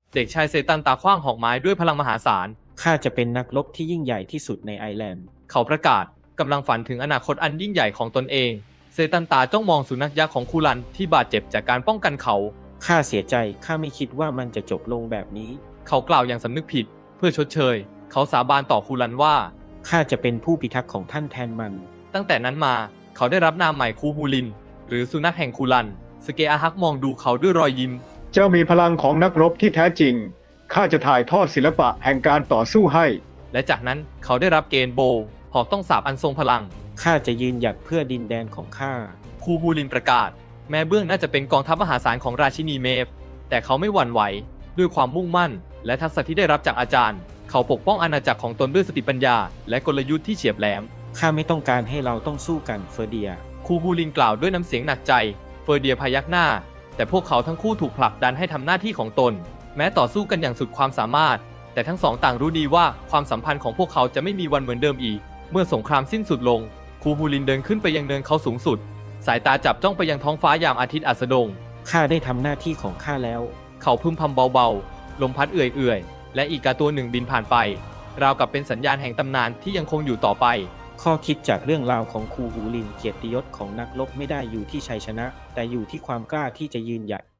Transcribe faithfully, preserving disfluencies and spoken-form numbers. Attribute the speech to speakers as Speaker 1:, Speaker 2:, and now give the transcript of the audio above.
Speaker 1: เด็กชายเซตันตาขว้างหอกไม้ด้วยพลังมหาศาล
Speaker 2: ข้าจะเป็นนักรบที่ยิ่งใหญ่ที่สุดในไอร์แลนด์
Speaker 1: เขาประกาศกำลังฝันถึงอนาคตอันยิ่งใหญ่ของตนเองเซตันตาจ้องมองสุนัขยักษ์ของคูลันที่บาดเจ็บจากการป้องกันเขา
Speaker 2: ข้าเสียใจข้าไม่คิดว่ามันจะจบลงแบบนี้
Speaker 1: เขากล่าวอย่างสำนึกผิดเพื่อชดเชยเขาสาบานต่อคูลันว่า
Speaker 2: ข้าจะเป็นผู้พิทักษ์ของท่านแทนมัน
Speaker 1: ตั้งแต่นั้นมาเขาได้รับนามใหม่คูฮูลินหรือสุนัขแห่งคูลันสเกอาฮักมองดูเขาด้วยรอยยิ้ม
Speaker 3: เจ้ามีพลังของนักรบที่แท้จริงข้าจะถ่ายทอดศิลปะแห่งการต่อสู้ให้
Speaker 1: และจากนั้นเขาได้รับเกณฑ์โบหอกต้องสาบอันทรงพลัง
Speaker 2: ข้าจะยืนหยัดเพื่อดินแดนของข้า
Speaker 1: คูฮูลินประกาศแม้เบื้องน่าจะเป็นกองทัพมหาศาลของราชินีเมฟแต่เขาไม่หวั่นไหวด้วยความมุ่งมั่นและทักษะที่ได้รับจากอาจารย์เขาปกป้องอาณาจักรของตนด้วยสติปัญญาและกลยุทธ์ที่เฉียบแหลม
Speaker 2: ข้าไม่ต้องการให้เราต้องสู้กันเฟอร์เดีย
Speaker 1: คูฮูลินกล่าวด้วยน้ำเสียงหนักใจเฟอร์เดียพยักหน้าแต่พวกเขาทั้งคู่ถูกผลักดันให้ทำหน้าที่ของตนแม้ต่อสู้กันอย่างสุดความสามารถแต่ทั้งสองต่างรู้ดีว่าความสัมพันธ์ของพวกเขาจะไม่มีวันเหมือนเดิมอีกเมื่อสงครามสิ้นสุดลงคูฮูลินเดินขึ้นไปยังเนินเขาสูงสุดสายตาจับจ้องไปยังท้องฟ้ายามอาทิตย์อัสดง
Speaker 2: ข้าได้ทำหน้าที่ของข้าแล้ว
Speaker 1: เขาพึมพำเบาๆลมพัดเอื่อยๆและอีกาตัวหนึ่งบินผ่านไปราวกับเป็นสัญญาณแห่งตำนานที่ยังคงอยู่ต่อไป
Speaker 2: ข้อคิดจากเรื่องราวของคูฮูลินเกียรติยศของนักรบไม่ได้อยู่ที่ชัยชนะแต่อยู่ที่ความกล้าที่จะยืนหยัด